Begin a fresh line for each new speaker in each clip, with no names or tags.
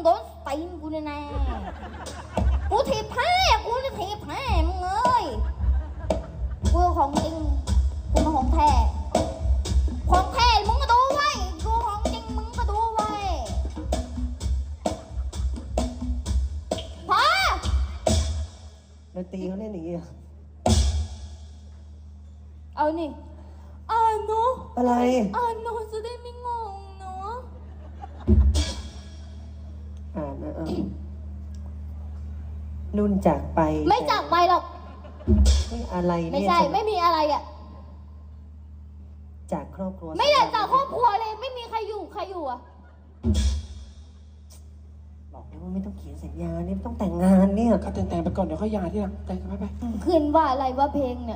โดนตีนกูแน่ๆกูถีบแพ้กูจะถีบแพ้มึงเอ้ยกูของจริงกูมาของแท้ของแท้มึงก็ดูไว้กูของจริงมึงก็ดูไว้พอ
ดนตรีเขาเล่นอย่างนี้เหรอ
เอานี่เนาะ
อะไร
เนาะจะได้ไม่งงเนาะ
นุ่นจากไป
ไม่จากไปหรอก
ไม่อะไรเนี่ย
ไม่ใช่ไม่มีอะไรอ่ะ
จากครอบครัว
ไม่ได้จากครอบครัวเลยไม่มีใครอยู่อ่ะ
บอกแล้วว่าไม่ต้องเขียนสัญญาเนี่ยไม่ต้องแต่งงานเนี่ย
ก็แต่งไปก่อนเดี๋ยวค่อยหย่าที่หลังแต่งกันไป
ขึ้นว่าอะไรว่าเพลงเนี่ย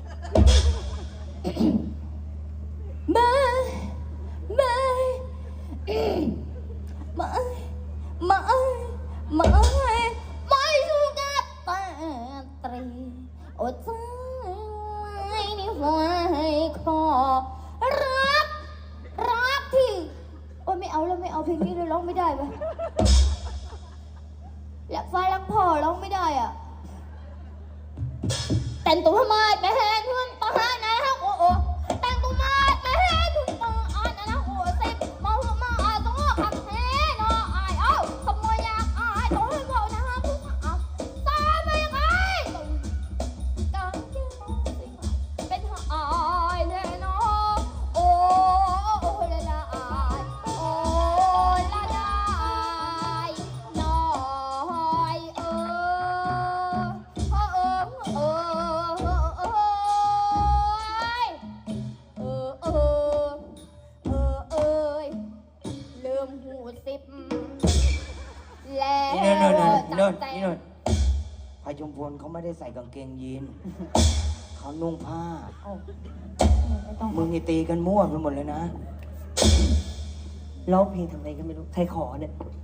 ไม่ไม่ไม่ไม่ถูกกับตาตรีโอ้ใจนี่หัวให้คอรักที่โอ้ยไม่เอาแล้วไม่เอาเพลงนี้เลยร้องไม่ได้ไปรักฟ้ารักพ่อร้องไม่ได้อ่ะแต่งตัวมาแต่แหงเพื่อนตานะฮะโอ้โอ้แต่งตัวมาแต่แหงคุณตาอ่านนะโอ้เซ็บมาต้องขับแท้เนาะอายเอ้าขโมยยากอายต้องให้เขานะฮะคุณอ่ะตาไม่ไงกังยืนมองสิเป็นอายแน่เนาะโอ้ละละอายโอ้ละละอายน้อยลืมหูสิบแล้ว
นี่นู่น
จับแต่
พายุมพลเขาไม่ได้ใส่กางเกงยีนเขานุ่งผ้า
ไม่ต้อง
มึงนี่ตีกันมั่วไปหมดเลยนะ
ร้องเพลงทำไมก็ไม่รู้ใครขอเนี่ย